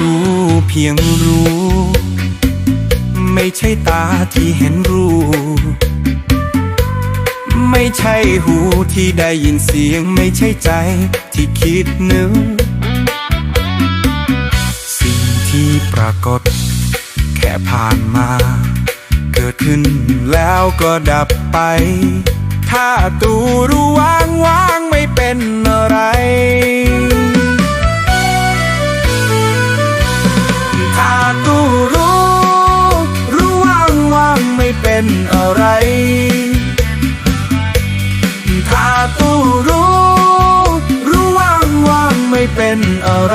ดูเพียงรู้ไม่ใช่ตาที่เห็นรูปไม่ใช่หูที่ได้ยินเสียงไม่ใช่ใจที่คิดนึกสิ่งที่ปรากฏแค่ผ่านมาเกิดขึ้นแล้วก็ดับไปถ้าตูรู้ว่างไม่เป็นอะไรถ้าตูรู้ว่างไม่เป็นอะไรถ้าตูรู้ว่างไม่เป็นอะไร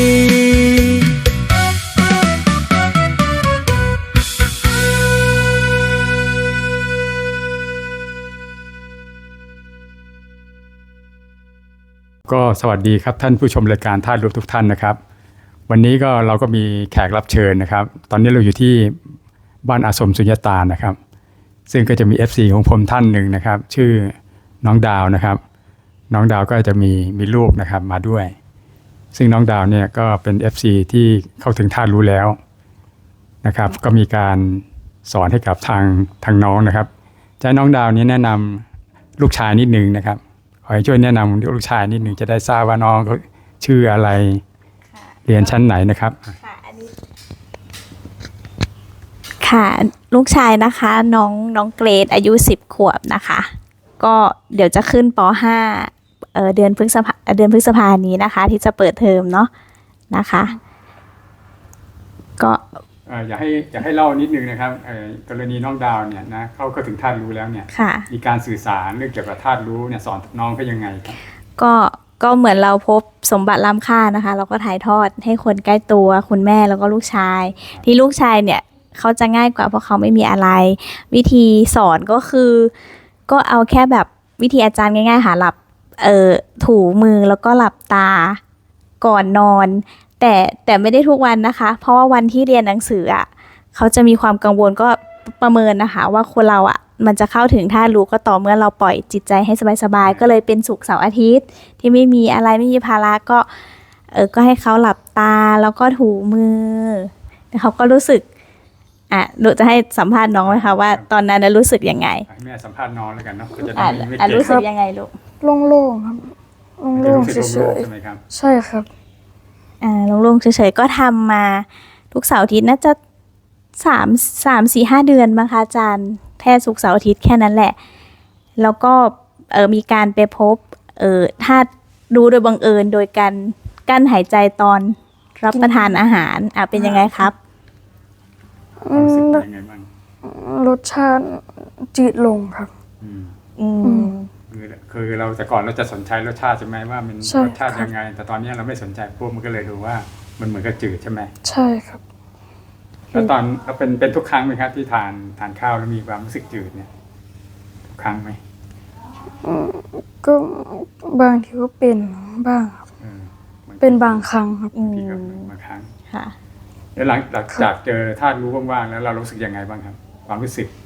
ก็สวัสดีครับท่านผู้ชมรายการธาตุรู้ทุกท่านนะครับวันนี้ก็เราก็มีแขกรับเชิญนะครับตอนนี้เราอยู่ที่บ้านอาสมสุญญตานะครับซึ่งก็จะมี FC ของผมท่านหนึ่งนะครับชื่อน้องดาวนะครับน้องดาวก็จะมีลูกนะครับมาด้วยซึ่งน้องดาวเนี่ยก็เป็น FC ที่เข้าถึงธาตุรู้แล้วนะครับก็มีการสอนให้กับทางน้องนะครับจะให้น้องดาวนี้แนะนำลูกชายนิดนึงนะครับขอให้ช่วยแนะนำลูกชายนิดนึงจะได้ทราบว่าน้องเขาชื่ออะไรเรียนชั้นไหนนะครับค่ะลูกชายนะคะน้องเกรดอายุ10 ขวบนะคะก็เดี๋ยวจะขึ้นป.5เดือนพฤษภานี้นะคะที่จะเปิดเทอมเนาะนะคะก็อยากให้เล่านิดนึงนะครับกรณีน้องดาวเนี่ยนะเขาถึงธาตุรู้แล้วเนี่ยมีการสื่อสารเรื่องเกี่ยวกับธาตุรู้เนี่ยสอนน้องเขายังไงครับก็เหมือนเราพบสมบัติล้ำค่านะคะเราก็ถ่ายทอดให้คนใกล้ตัวคุณแม่แล้วก็ลูกชายที่ลูกชายเนี่ยเขาจะง่ายกว่าเพราะเขาไม่มีอะไรวิธีสอนก็คือก็เอาแค่แบบวิธีอาจารย์ง่ายๆหาหลับถูมือแล้วก็หลับตาก่อนนอนแต่ไม่ได้ทุกวันนะคะเพราะว่าวันที่เรียนหนังสืออ่ะเขาจะมีความกังวลก็ประเมินนะคะว่าคนเราอ่ะมันจะเข้าถึงธาตุรู้ก็ต่อเมื่อเราปล่อยจิตใจให้สบายๆก็เลยเป็นศุกร์เสาร์อาทิตย์ที่ไม่มีอะไรไม่มีภาระก็ให้เขาหลับตาแล้วก็ถูมือแล้วเขาก็รู้สึกหนูจะให้สัมภาษณ์น้องไหมคะว่าตอนนั้นรู้สึกยังไงแม่สัมภาษณ์น้องแล้วกันเนาะก็จะได้รู้สึกยังไงลูกโล่งๆครับโล่งๆเฉยๆใช่ไหมครับใช่ครับโล่งๆเฉยๆก็ทำมาทุกเสาร์อาทิตย์น่าจะ3-4-5 เดือนมั้งคะอาจารย์แค่ศุกร์เสาร์อาทิตย์แค่นั้นแหละแล้วก็มีการไปพบธาตุรู้โดยบังเอิญโดยการกั้นหายใจตอนรับประทานอาหารเป็นยังไงครับรู้สึกยังไงบ้างรสชาติจืดลงครับคือเราแต่ก่อนเราจะสนใจรสชาติใช่ไหมว่ามันรสชาติยังไงแต่ตอนนี้เราไม่สนใจพวกมันก็เลยดูว่ามันเหมือนกับจืดใช่ไหมใช่ครับแล้วตอนเราเป็นทุกครั้งไหมครับที่ทานข้าวแล้วมีความรู้สึกจืดเนี่ยทุกครั้งไหมก็บางทีก็เป็นบ้างครับเป็นบางครั้งครับทีกับบางครั้งค่ะแล้วหลังจากเจอธาตุรู้ว่างๆแล้วเรารู้สึกยังไงบ้างครับความรู้สึก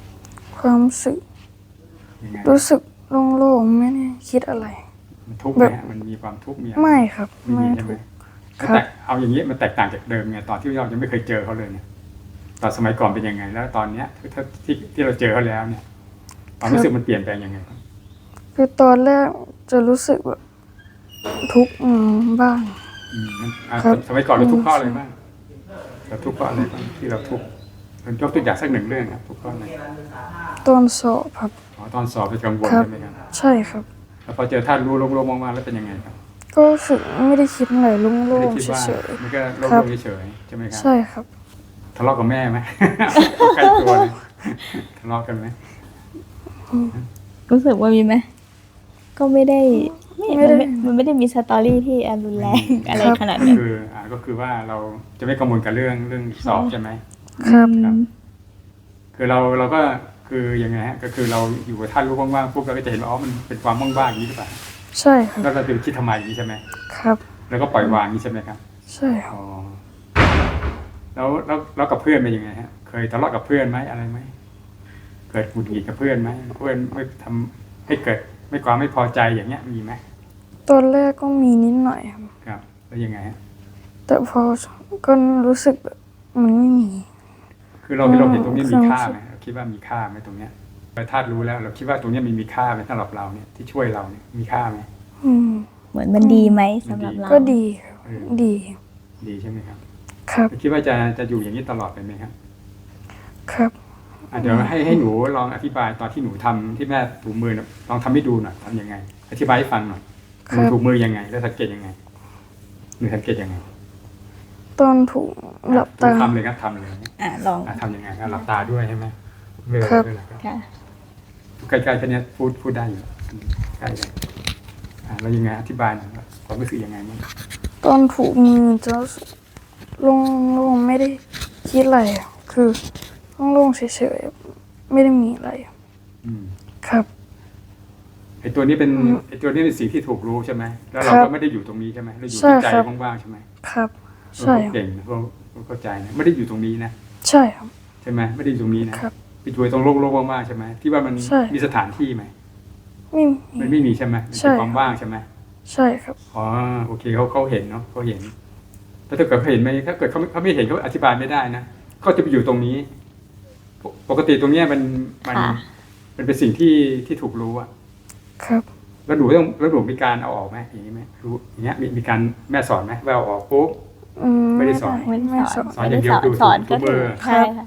รู้สึกโล่งๆไม่ได้คิดอะไรมันทุกข์ไหมมันมีความทุกข์มีไม่ครับไม่ใช่ไหมแต่เอาอย่างนี้มันแตกต่างจากเดิมไงตอนที่เรายังไม่เคยเจอเขาเลยเนี่ยตอนสมัยก่อนเป็นยังไงแล้วตอนเนี้ยที่เราเจอเขาแล้วเนี่ยความรู้สึกมันเปลี่ยนแปลงยังไงครับคือตอนแรกจะรู้สึกแบบทุกข์บ้างสมัยก่อนเราทุกข์เพราะอะไรบ้างเราทุกข์เพราะอะไรบ้างที่เราทุกข์ยกตัวอย่างสักหนึ่งเรื่องครับทุกข์เพราะอะไรตอนสอบครับตอนสอบเป็นกังวลใช่ไหมครับใช่ครับแล้วพอเจอธาตุรู้โล่งๆมากๆแล้วเป็นยังไงครับก็รู้สึกไม่ได้คิดอะไรโล่งๆเฉยๆมันก็โล่งๆเฉยๆใช่ไหมครับใช่ครับทะเลาะกับแม่ไหมใกล้ตัวเลยทะเลาะกันไหมรู้สึกว่ามีไหมก็ไม่ได้มันไม่ได้มีสตอรี่ที่รุนแรงอะไรขนาดนั้นก็คือว่าเราจะไม่กังวลกับเรื่องสอบใช่ไหมครับคือเราก็คือยังไงฮะก็คือเราอยู่กับท่านรู้ว่างๆปุ๊บเราก็จะเห็นว่ามันเป็นความว่างๆอย่างนี้หรือเปล่าใช่ครับแล้วเราจะคิดทำไมอย่างนี้ใช่ไหมครับแล้วก็ปล่อยวางนี้ใช่ไหมครับใช่ครับแล้วกับเพื่อนเป็นยังไงฮะเคยทะเลาะกับเพื่อนไหมอะไรไหมเกิดหงุดหงิดกับเพื่อนไหมเพื่อนไม่ทำให้เกิดความไม่พอใจอย่างเงี้ยมีไหมตอนแรกก็มีนิดหน่อยครับแล้วยังไงฮะแต่พอก็รู้สึกแบบมันไม่มีคือเราเห็นตรงนี้มีค่าไหมเราคิดว่ามีค่าไหมตรงเนี้ยเราธาตุรู้แล้ว เราคิดว่าตรงเนี้ยมันมีค่าไหมสำหรับเราเนี่ยที่ช่วยเราเนี่ยมีค่าไหมอืมเหมือนมันดีไหมสำหรับเราก็ดีครับเออดีดีใช่ไหมครับครับคิดว่าจะอยู่อย่างนี้ตลอดไปไหมครับครับเดี๋ยวให้หนูลองอธิบายตอนที่หนูทำที่แม่ถูมือน่ะลองทำให้ดูหน่อยทำยังไง อธิบายให้ฟังหน่อยหนูถูมือยังไง แล้วสังเกตยังไงหนูสังเกตยังไงตอนถูกหลับตาทำเลยครับทำเลยลองทำยังไงครับหลับตาด้วยใช่ไหมเวลาครับเวลาค่ะใกล้ๆแค่เนี้ยพูดได้อยู่ใกล้เลยแล้วยังไงอธิบายหน่อยว่าความรู้สึกยังไงบ้างตอนถูกมือจะลงไม่ได้คิดอะไรอะคือลงเฉยๆไม่ได้มีอะไรอืมครับไอตัวนี้เป็นสิ่งที่ถูกรู้ใช่ไหมแล้วเราครัก็บไม่ได้อยู่ตรงนี้ใช่ไหมเราอยู่ใช่ที่ใจครับว่างๆใช่ไหมครับเราใช่เก่งนะเราเข้าใจนะไม่ได้อยู่ตรงนี้นะใช่ครับใช่ไหมไม่ได้อยู่ตรงนี้นะครับ ไปอยู่ตรงโลกว่างๆใช่ไหมที่ว่ามันใช่มีสถานที่ไหมไม่มันมีไม่มีใช่ไหมมันใช่เป็นความว่างใช่ไหมใช่ครับอ๋อโอเคเขาเห็นเนาะเขาเห็นแล้วถ้าเกิดเขาเห็นไหมถ้าเกิดเขาไม่เห็นเขาอธิบายไม่ได้นะเขาจะไปอยู่ตรงนี้ ปกติตรงเนี้ยมันค่ะมันเป็นสิ่งที่ถูกรู้อะครับแล้วหนูมีการเอาออกไหมอย่างนี้ไหมรู้อย่างเงี้ยมีการแม่สอนไหมว่าเอาออกปุ๊บ ไม่ได้สอนไม่ได้สอนสอนอย่างเดียวดูสอนถูก็กมืถืออใช่ค่ะ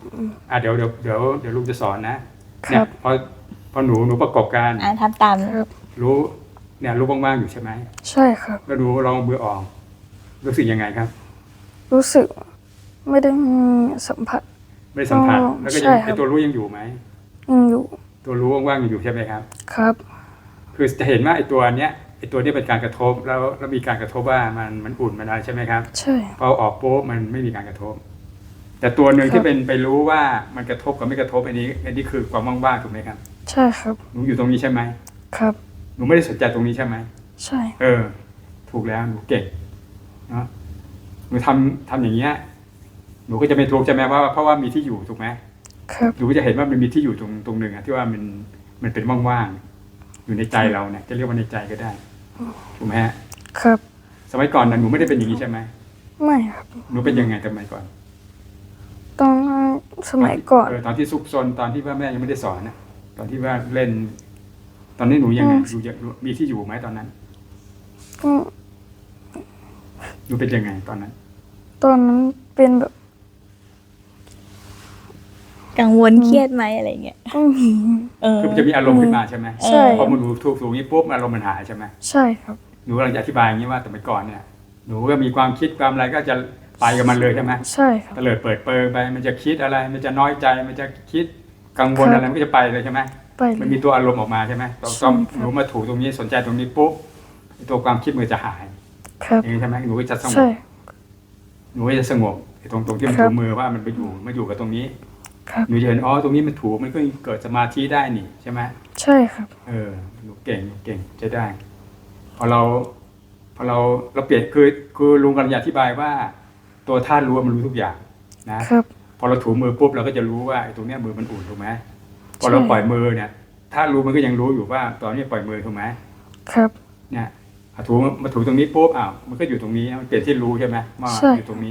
เดี๋ยวลุงจะสอนนะคเนี่รัยบพอหนูประกอบการทำตามครับรู้เนี่ยรู้ว่างๆอยู่ใช่ไหมใช่ครับแล้วหนูลองมือออกรู้สึกยังไงครับรู้สึกไม่ได้มีสัมผัสไม่ได้สัมผัสอ๋อแล้วก็ใช่ยังครับไอตัวรู้ยังอยู่ไหมยังอยู่ตัวรู้ว่างๆยังอยู่ใช่ไหมครับครับคือจะเห็นว่าไอตัวเนี้ยเป็นการกระทบแล้วมีการกระทบว่ามันอุ่นมันอะไรใช่ไหมครับใช่พอออกปุ๊บมันไม่มีการกระทบ แต่ตัวหนึ่งครับที่เป็นไปรู้ว่ามันกระทบกับไม่กระทบอันนี้คือความว่างๆถูกไหมครับใช่ครับหนูอยู่ตรงนี้ใช่ไหมครับหนูไม่ได้สนใจตรงนี้ใช่ไหมใช่ถูกแล้วหนูเก่งเนาะหนูทำอย่างเงี้ยหนูก็จะไม่ทุกข์ใช่ไหมว่าเพราะว่ามีที่อยู่ถูกไหมครับหนูก็จะเห็นว่ามันมีที่อยู่ตรงหนึ่งอะที่ว่ามันเป็นว่างๆอยู่ในใจเราเนี่ยจะเรียกว่าในใจก็ได้ถูกไหมฮะครับสมัยก่อนนะหนูไม่ได้เป็นอย่างนี้ใช่ไหมไม่ครับหนูเป็นยังไงสมัยก่อนตอนสมัยก่อนตอนที่ซุกซนตอนที่ว่าแม่ยังไม่ได้สอนนะตอนที่ว่าเล่น ตอนนี้หนูยังไงมีที่อยู่ไหมตอนนั้นก็หนูเป็นยังไงตอนนั้นตอนนั้นเป็นแบบกังวลเครียดไหมอะไรเงี้ยไม่มีคือมันจะมีอารมณ์ขึ้นมาใช่ไหมใช่พอมันหนูถูกอย่างนี้ปุ๊บอารมณ์มันหายใช่ไหมใช่ครับหนูกำลังจะอธิบายอย่างนี้ว่าแต่เมื่อก่อนเนี่ยหนูก็มีความคิดความอะไรก็จะไปกับมันเลยใช่ไหมใช่ครับเตลิดเปิดเปิงไปมันจะคิดอะไร มันจะน้อยใจมันจะคิดกังวลครับอะไรมันก็จะไปเลยใช่ไหมไปเลมันยมีตัวอารมณ์ออกมาใช่ไหมตอนใช่ครับหนูมาถูตรงนี้สนใจตรงนี้ปุ๊บไอ้ตัวความคิดมันจะหายครับอย่างนี้ใช่ไหมหนูก็จะสงใช่บหนูก็จะสงบไอ้ตรงที่มันครัถูบมือว่ามันไปอยู่มาอยู่กับตรงนี้ครับหนูจะเห็นอ๋อตรงนี้มันถูมันก็เกิดสมาธิได้นี่ใช่ไหมใช่ครับหนูเก่งจะได้ พอเราเปลี่ยนคือลุงกำลังจะอธิบายว่า ตัวธาตุรู้มันรู้ทุกอย่างนะครับ พอเราถูมือปุ๊บเราก็จะรู้ว่าไอ้ตรงเนี้ยมือมันอุ่นถูกไหมพอเราใช่ปล่อยมือเนี่ยธาตุรู้มันก็ยังรู้อยู่ว่าตอนนี้ปล่อยมือถูกไหมครับเนี่ยมาถูตรงนี้ปุ๊บมันก็อยู่ตรงนี้มันเปลี่ยนที่รู้ใช่ไหมว่าใช่อยู่ตรงนี้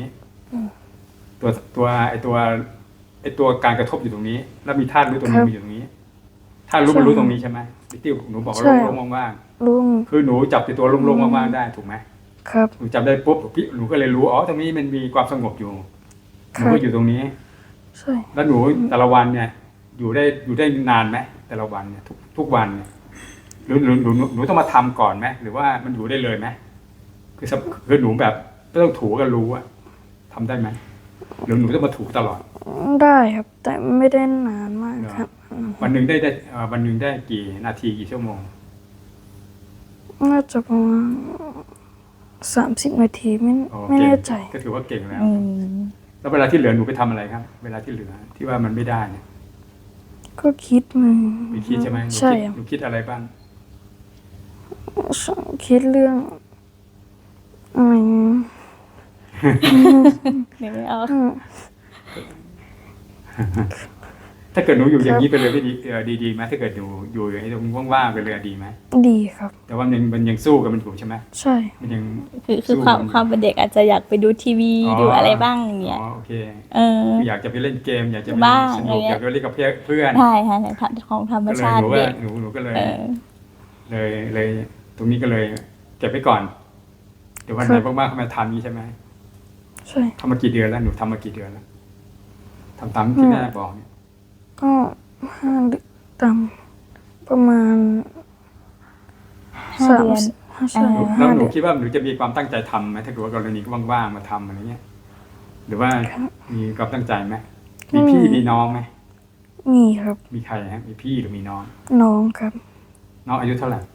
ตัวการกระทบอยู่ตรงนี้ แล้วมีธาตุรู้ตรงนี้มันอยู่ตรงนี้ธาตุรู้มันรู้ตรงนี้ใช่ไหมที่หนูบอกว่าใช่โล่งๆว่างลุงๆคือหนูจับในตัวโล่งๆว่างๆได้ถูกไหมครับหนูจับได้ปุ๊บหนูก็เลยรู้อ๋อตรงนี้มันมีความสงบอยู่หครันูบก็อยู่ตรงนี้ใช่แล้วหนูแต่ละวันเนี่ย อยู่ได้นานไหมแต่ละวันเนี่ยทุกวันเนี่ยหรือหนูต้องมาทำก่อนไหมหรือว่ามันอยู่ได้เลยไหมคือหนูแบบไม่ต้องถูก็รู้อะทำได้ไหมหรือหนูต้องมาถูตลอดได้ครับ แต่ไม่ได้นานมากครับวันหนึ่งได้วันหนึ่งได้กี่นาทีกี่ชั่วโมงน่าจะประมาณ30 นาทีไม่โอไม่เก่งแน่ใจก็ถือว่าเก่งแล้วอืมแล้วเวลาที่เหลือหนูไปทำอะไรครับ เวลาที่เหลือที่ว่ามันไม่ได้เนี่ยก็คิดมันไปคิดใช่ไหมหนูใช่คิดครับหนูคิดอะไรบ้างคิดเรื่องอะไรเดี๋ยวไม่เอาอืมถ้าเกิดหนูอยู่อย่างนี้ไปเลยไม่ดีดีไหมถ้าเกิดหนูอยู่อย่างนี้ตรงว่างๆไปเลยดีไหมดีครับแต่ว่ามันยังสู้กับมันอยู่ใช่ไหมใช่มันยังคือสู้ความเป็นเด็กอาจจะอยากไปดูทีวีอ๋อดูอะไรบ้างอย่างเงี้ยอ๋อโอเคเออคืออยากจะไปเล่นเกม อยากจะไปบ้างสอะไรนุกเงี้ยอยากจะไปเล่นกับเพื่อนใช่ค่ะของธรรมก็เลยชาติหนูว่าเด็กหนูก็เลยเออเลยตรงนี้ก็เลยเก็บไว้ก่อนเดี๋ยววันไหนว่างๆเข้ามาทำนี้ใช่ไหมใช่ทำมากี่เดือนแล้วหนูทำมากี่เดือนแล้วทำตามที่แม่บอกเนี่ยก็5 เดือนตามประมาณ 5 เดือนใช่แล้ว 5 หนูเดือนคิดว่าหนูจะมีความตั้งใจทำไหมถ้าเกิดว่ากรณีว่างๆมาทำอะไรเงี้ยหรือว่ามีความตั้งใจไหมมีพี่มีน้องไหมมีครับมีใครฮะมีพี่หรือมีน้องน้องครับน้องอายุเท่าไหร่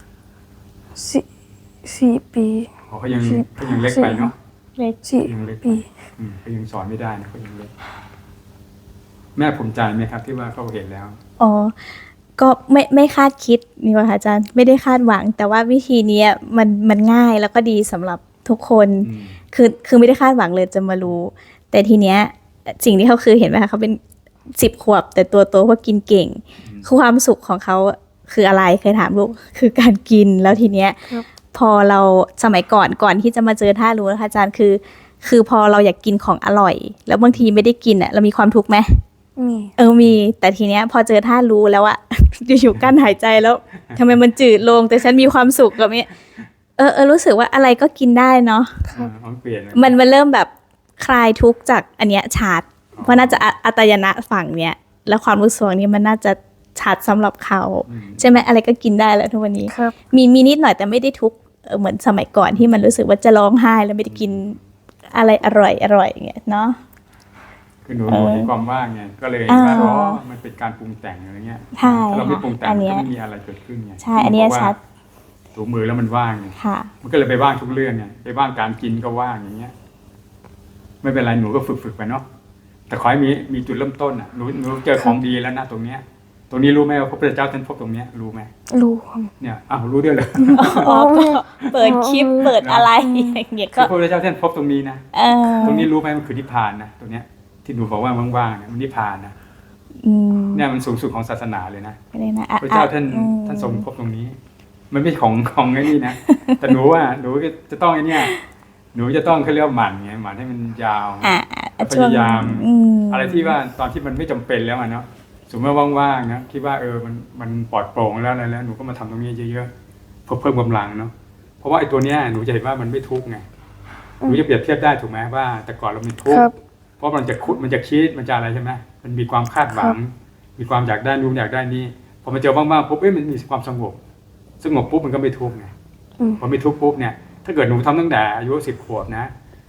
4 ปีอ๋อเขายังเล็กไปเนาะเล็กยังเล็ก 4 ปีเขายังสอนไม่ได้นะเขายังเล็กแม่ภูมิใจไหมครับ ที่ว่าเขาเห็นแล้วอ๋อ ก็ไม่คาดคิดนี่ว่าค่ะอาจารย์ไม่ได้คาดหวัง แต่ว่าวิธีเนี้ยมันง่ายแล้วก็ดีสำหรับทุกคนอืมคือไม่ได้คาดหวังเลยจะมารู้ แต่ทีเนี้ยสิ่งที่เขาคือเห็นไหมคะเขาเป็น10 ขวบ แต่ตัวโตเพราะกินเก่ง คือความสุขของเขาคืออะไรเคยถามลูกคือการกินแล้วทีเนี้ยครับพอเราสมัยก่อนที่จะมาเจอท่ารู้นะคะอาจารย์คือพอเราอยากกินของอร่อย แล้วบางทีไม่ได้กินอ่ะเรามีความทุกข์ไหมมีมีแต่ทีเนี้ยพอเจอท่ารู้แล้วอะ อยู่ๆกั้นหายใจแล้วทำไมมันจืดลงแต่ฉันมีความสุขกับนี้รู้สึกว่าอะไรก็กินได้เนาะมันเปลี่ยนเลยมันเริ่มแบบคลายทุกข์จากอันเนี้ยชัดเพราะน่าจะอัตยนะฝั่งเนี้ยแล้วความรู้สึกนี้มันน่าจะชัดสำหรับเขาใช่ไหมอะไรก็กินได้แล้วทุกวันนี้ครับมีนิดหน่อยแต่ไม่ได้ทุกข์เหมือนสมัยก่อนที่มันรู้สึกว่าจะร้องไห้แล้วไม่ได้กินอะไรอร่อยอย่างเงี้ยเนาะคือหนูเห็นความว่างไงก็เลยว่าอ๋อมันเป็นการปรุงแต่งอะไรเงี้ยใช่ถ้าเราไม่ปรุงแต่งอันมันเนี้ยก็ไม่มีอะไรเกิดขึ้นไงใช่อันเนี้ยบกว่าชัดถูมือแล้วมันว่างไงค่ะมันก็เลยไปว่างทุกเรื่องไงไปว่างการกินก็ว่างอย่างเงี้ย ไม่เป็นไรหนูก็ฝึกไปเนาะแต่ขอให้มีจุดเริ่มต้นอ่ะหนูเจอของดีแล้วนะตรงเนี้ย ตรงนี้รู้ไหมว่าพระพุทธเจ้าท่านพบตรงเนี้ยรู้ไหมรู้ครับเนี่ยอ้าวรู้ด้วยเลยอ๋อก็เปิดคลิปเปิดอะไรอย่างเงี้ยคืก็อพระพุทธเจ้าท่านพบตรงนี้นะเออตรงนี้รู้ไหมมันคือนิพพานนะตรงเนี้ยที่หนูบอกว่าว่างๆเนี่ยมันนิพพานนะอืมเนี่ยมันสูงสุดของศาสนาเลยนะไม่ได้นะพระเจ้าท่านอืมท่านทรงพบตรงนี้ มันไม่ใช่ของไอ้นี่นะ แต่หนูว่าหนูจะต้องไอ้เนี่ยหนูจะต้องเขาเรียกว่าหมั่นไงหมั่นให้มันยาว พยายาม อะไรที่ว่าตอนที่มันไม่จำเป็นแล้วอะเนาะสมมติว่าว่างๆนะคิดว่ามันปลอดโปร่งแล้วอะไรแล้วหนูก็มาทำตรงนี้เยอะๆเพิ่มกำลังเนาะเพราะว่าไอ้ตัวเนี้ยหนูจะเห็นว่ามันไม่ทุกข์ไงหนูจะเปรียบเทียบได้ถูกไหมว่า แต่ก่อนเรามีทุกครัข์บเพราะมันจะคิดมันจะอะไรใช่ไหมมันมีความคาดหวัง มีความอยากได้นู่นอยากได้นี่พอมาเจอว่างๆปุ๊บมันมีความสงบปุ๊บมันก็ไม่ทุกข์ไงอืมพอไม่ทุกข์ปุ๊บเนี่ยถ้าเกิดหนูทำตั้งแต่อายุ10 ขวบนะ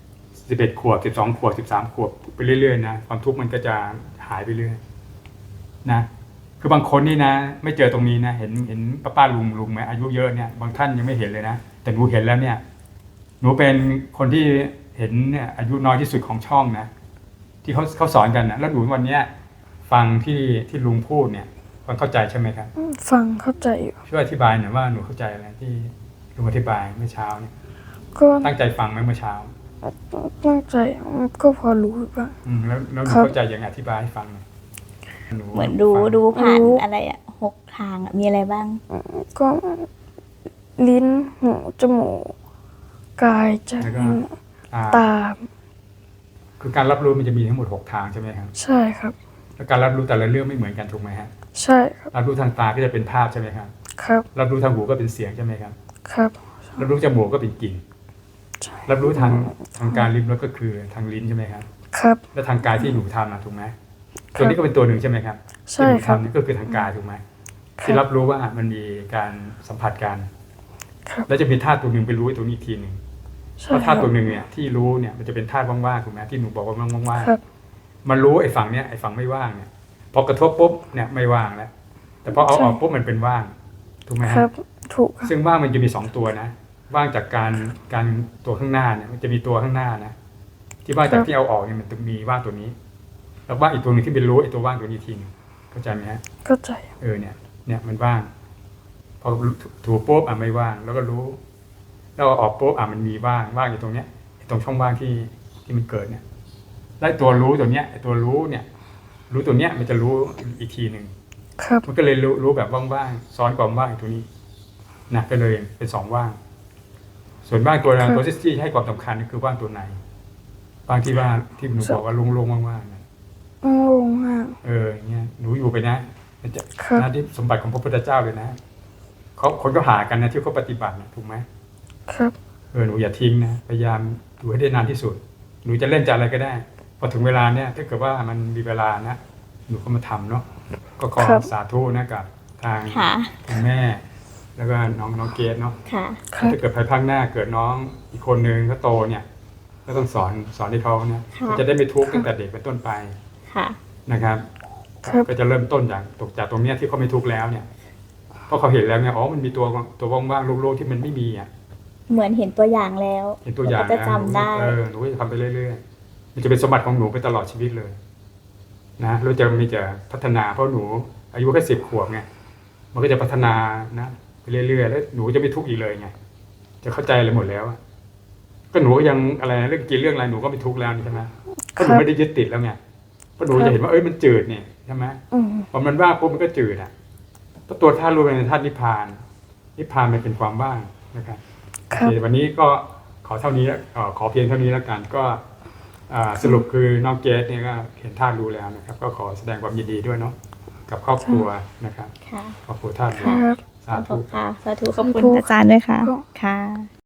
11 ขวบ12 ขวบ13 ขวบไปเรื่อยๆนะความทุกข์มันก็จะหายไปเรื่อยนะคือบางคนนี่นะไม่เจอตรงนี้นะเห็นป้าลุงไหมอายุเยอะเนี่ยบางท่านยังไม่เห็นเลยนะแต่หนูเห็นแล้วเนี่ยหนูเป็นคนที่เห็นเนี่ยอายุน้อยที่สุดของช่องนะที่เขาสอนกันนะแล้วหนูวันเนี้ยฟังที่ลุงพูดเนี่ยฟังเข้าใจใช่ไหมครับฟังเข้าใจอยู่ช่วยอธิบายหน่อยว่าหนูเข้าใจอะไรที่ลุงอธิบายเมื่อเช้าเนี่ยก็ตั้งใจฟังไหมเมื่อเช้าตั้งใจก็พอรู้บ้างแล้วหนูครับเข้าใจยังไงอธิบายให้ฟังหน่อยเหมือนดูผ่านรู้อะไรอ่ะ6 ทางอะมีอะไรบ้างก็ลิ้นหูจมูกกายใจแล้วก็ตาตาคือการรับรู้มันจะมีทั้งหมด6 ทางใช่ไหมครับใช่ครับแล้วการรับรู้แต่ละเรื่องไม่เหมือนกันถูกไหมฮะใช่ครับรับรู้ทางตาก็จะเป็นภาพใช่ไหมครับครับรับรู้ทางหูก็เป็นเสียงใช่ไหมครับครับรับรู้จมูกก็เป็นกลิ่นใช่รับรู้ทางการลิ้มรสก็คือทางลิ้นใช่ไหมครับครับแล้วทางกายที่หนูทำนะถูกไหมตัวนี้ก็เป็นตัวหนึ่งใช่ไหมครับใช่ครับที่หนูทำนี่ก็คือทางกายถูกไหมครับที่รับรู้ว่ามันมีการสัมผัสกันครับแล้วจะมีธาตุตัวหนึ่งไปรู้อีกตัวนี้อีกทีหนึ่งใช่เพราะธาตุคตัรัวบหนึ่งเนี่ยที่รู้เนี่ยมันจะเป็นธาตุว่างๆถูกไหมที่หนูบอกว่าว่างครับๆมันรู้ไอ้ฝั่งเนี้ยไอ้ฝั่งไม่ว่างเนี่ยพอกระทบปุ๊บเนี่ยไม่ว่างแล้วแต่พอเอาออกปุ๊บมันเป็นว่างถูกไหมคฮะรับ ถูกครับซึ่งว่างมันจะมี2 ตัวนะว่างจากการตัวข้างหน้าเนี่ยมันจะมีตัวข้างหน้านะที่ว่างจากที่เอาออกเนี่ยมันจะมีว่างตัวนี้แล้วว่างอีกตัวหนึงที่เป็นรู้ไอ้ตัวว่างตัวนี้ทีนึงเข้าใจไหมฮะเข้าใจเนี่ยมันว่าง พอถูปุ๊บไม่ว่าง แล้วก็รู้แล้วเอาออกปุ๊บมันมีว่างอยู่ตรงเนี้ยตรงช่องว่างที่มันเกิดเนี่ยแล้วตัวรู้ตัวเนี้ยไอ้ตัวรู้เนี่ยรู้ตัวเนี้ยมันจะรู้อีกทีหนึ่งครับมันก็เลยรู้แบบว่างๆซ้อนความว่างอยู่ตรงนี้นะก็เลยเป็นสองว่าง ส่วนว่างตัวที่ให้ความสำคัญก็คือว่างตัวในว่างที่ว่าที่หนูบอกว่าโล่งๆว่างๆนะลงมากอย่างเงี้ยหนูอยู่ไปนะมันจะครับหน้าที่สมบัติของพระพุทธเจ้าเลยนะคนก็หากันนะที่เขาปฏิบัตินะถูกไหมครับหนูอย่าทิ้งนะพยายามอยู่ให้ได้นานที่สุด หนูจะเล่นจะอะไรก็ได้ พอถึงเวลาเนี่ยถ้าเกิดว่ามันมีเวลานะหนูก็มาทำเนาะก็ขอครับสาธุนะกับทางค่ะคุณแม่ แล้วก็น้องเกดเนาะค่ะครับถ้าเกิดภายภาคหน้าเกิดน้องอีกคนนึงเขาโตเนี่ยก็ต้องสอนให้เขาเนี่ยค่ะเขาจะได้ไม่ทุกข์ตั้งแต่เด็กเป็นต้นไปค่ะนะครับครับก็จะเริ่มต้นจากตรงเนี้ยที่เขาไม่ทุกข์แล้วเนี่ยเพราะเขาเห็นแล้วเนี่ยอ๋อมันมีตัวว่างๆโล่งๆที่มันไม่มีอ่ะเหมือนเห็นตัวอย่างแล้วเห็นตัวอย่างก็จะจำได้หนูก็จะทำไปเรื่อยๆมันจะเป็นสมบัติของหนูไปตลอดชีวิตเลยนะแล้วจะมีจะพัฒนาเพราะหนูอายุแค่10 ขวบไงมันก็จะพัฒนานะไปเรื่อยๆแล้วหนูจะไม่ทุกข์อีกเลยไงจะเข้าใจอะไรหมดแล้วอะก็หนูก็ยังอะไรเรื่องกินเรื่องอะไรหนูก็ไม่ทุกข์แล้วนี่ใช่ไหมเพราะหนูไม่ได้ยึดติดแล้วไงเพราะหนูจะเห็นว่ามันจืดเนี่ยใช่ไหม พอมันว่างปุ๊บมันก็จืดอ่ะตัวธาตุรู้เป็นธาตุนิพพาน นิพพานมันเป็นความว่างนะครับครับโอเควันนี้ก็ขอเท่านี้ขอเพียงเท่านี้แล้วกันก็สรุปคือน้องเกสเนี่ยก็เห็นธาตุรู้แล้วนะครับ ก็ขอแสดงความยินดีด้วยเนาะกับครอบครัวนะครับค่ะครอบครัวธาตุครู้รับสาธุค่ะ สาธุขอบคุณอาจารย์ด้วยค่ะ ค่ะ